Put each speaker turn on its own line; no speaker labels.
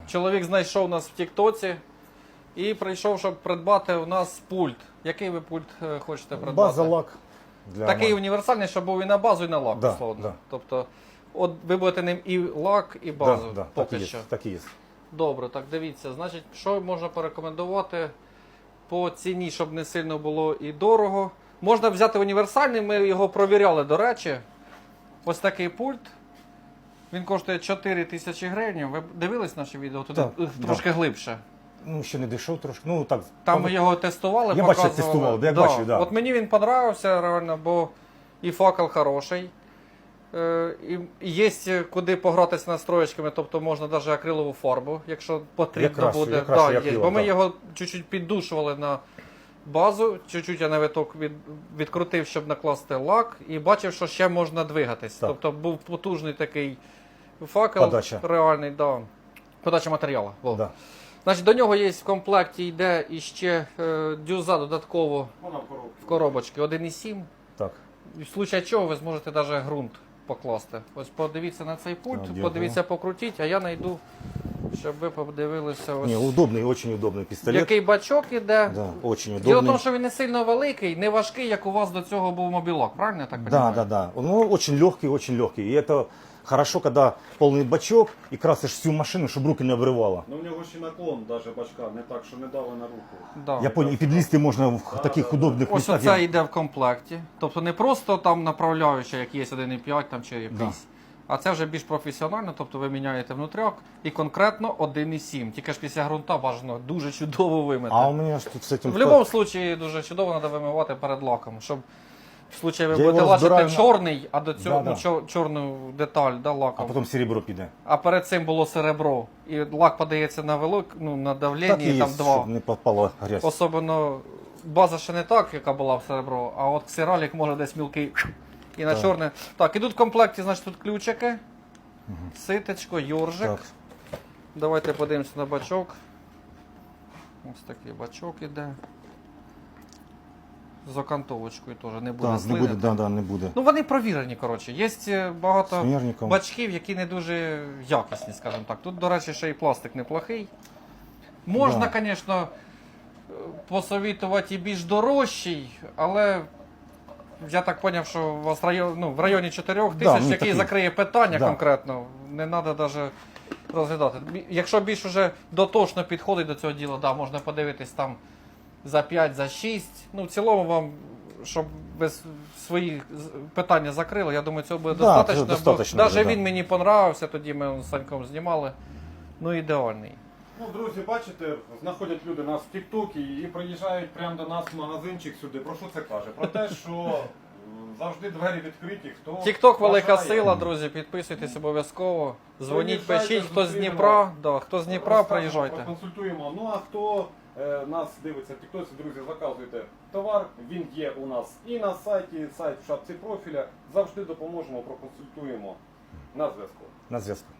Чоловік знайшов нас в Тіктоці і прийшов, щоб придбати у нас пульт. Який ви пульт хочете придбати?
База лак.
Такий універсальний, щоб був і на базу, і на лак,
Да,
условно.
да.
Тобто, от ви будете ним і лак, і базу, поки що.
Так і є.
Добре, так дивіться. Значить, що можна порекомендувати по ціні, щоб не сильно було і дорого. Можна взяти універсальний, ми його провіряли, до речі. Ось такий пульт. Він коштує 4 тисячі гривень. Ви дивились наше відео? Туди
Так,
трошки глибше.
Ну, ще не дійшов трошки. Ну, так.
Там ми його тестували,
Я
показували.
бачив, тестував, я бачив, да.
От мені він подобався реально, бо і факел хороший. І є куди погратися настроєчками, тобто можна навіть акрилову фарбу, якщо потрібно буде. Є. Бо ми його чуть-чуть піддушували на базу, чуть-чуть я на виток відкрутив, щоб накласти лак, і бачив, що ще можна двигатись.
Так.
Тобто був потужний такий факел,
Подача.
реальний, да. Подача матеріалу.
Да.
Значить, до нього є в комплекті йде іще дюза додатково в коробочці 1,7.
Так.
В случае чого ви зможете навіть ґрунт покласти. Ось подивіться на цей пульт,
Дякую.
подивіться, покрутіть, а я знайду, щоб ви подивилися. Ось.
Не, удобний, очень удобний пістолет.
Який бачок іде.
Да, очень удобний.
Діло в тому, що він не сильно великий, не важкий, як у вас до цього був мобілок, правильно я так
Да,
розумію?
да, да. Ну, очень легкий, очень легкий. И это хорошо, когда полный бачок и красишь всю машину, чтобы руки не обрывало.
Ну, в нього ще наклон даже бачка, не так, що не дали на руку.
Да.
Я понял, и підлізти можна в таких удобних
Ось
містах.
оце йде в комплекті. Тобто не просто там направляюча, як є 1,5 там, чи якийсь. А це вже більш професіонально, тобто ви міняєте внутряк і конкретно 1,7. Тільки ж після ґрунта бажано дуже чудово вимити.
А у мене ж тут з цим...
В будь-якому випадку дуже чудово треба вимивати перед лаком, щоб в случае ви
Я
будете
його
лачити
розбираю на-
чорний, а до цього
Да, да.
чорну деталь
А
лаком.
потім серебро піде.
А перед цим було серебро. І лак подається на на давлення,
Так і
і
є,
там два.
щоб не попала грязь.
Особливо база ще не так, яка була в серебро, а от ксералік може десь мілкий і на
Так.
чорне. Так, ідуть в комплекті, значить, тут ключики, ситечко, йоржик.
Так.
Давайте подивимося на бачок. Ось такий бачок іде. З окантовочкою теж не буде
Так, не
слини.
буде, да, не буде.
Ну вони провірені, коротше. Є багато
Смірником.
бачків, які не дуже якісні, скажімо так. Тут, до речі, ще і пластик неплохий. Можна,
Да.
звісно, посовітувати і більш дорожчий, але я так зрозумів, що у вас в районі 4 тисяч,
ну,
який
такий.
закриє питання
Да.
конкретно, не треба навіть розглядати. Якщо більш уже дотошно підходить до цього діла, да, можна подивитись там за 5, за 6. Ну, в цілому вам, щоб ви свої питання закрили, я думаю, цього буде
Да,
достатньо.
це достатньо
Навіть
буде,
він
да.
мені понравився, тоді ми з Саньком знімали. Ну, ідеальний.
Ну, друзі, бачите, знаходять люди нас в Тіктокі і приїжджають прямо до нас в магазинчик сюди. Про що це каже? Про те, що завжди двері відкриті, хто
Тікток велика
бажає.
сила, друзі, підписуйтесь обов'язково. Дзвоніть,
Приїжджайте,
пишіть, хто з
зустрінемо.
Дніпра, да, хто з Дніпра,
Розкажемо,
приїжджайте.
Проконсультуємо. Ну а хто нас дивиться в Тіктоці, друзі, заказуйте товар. Він є у нас і на сайті, сайт в шапці профіля. Завжди допоможемо, проконсультуємо. На зв'язку.
На зв'язку.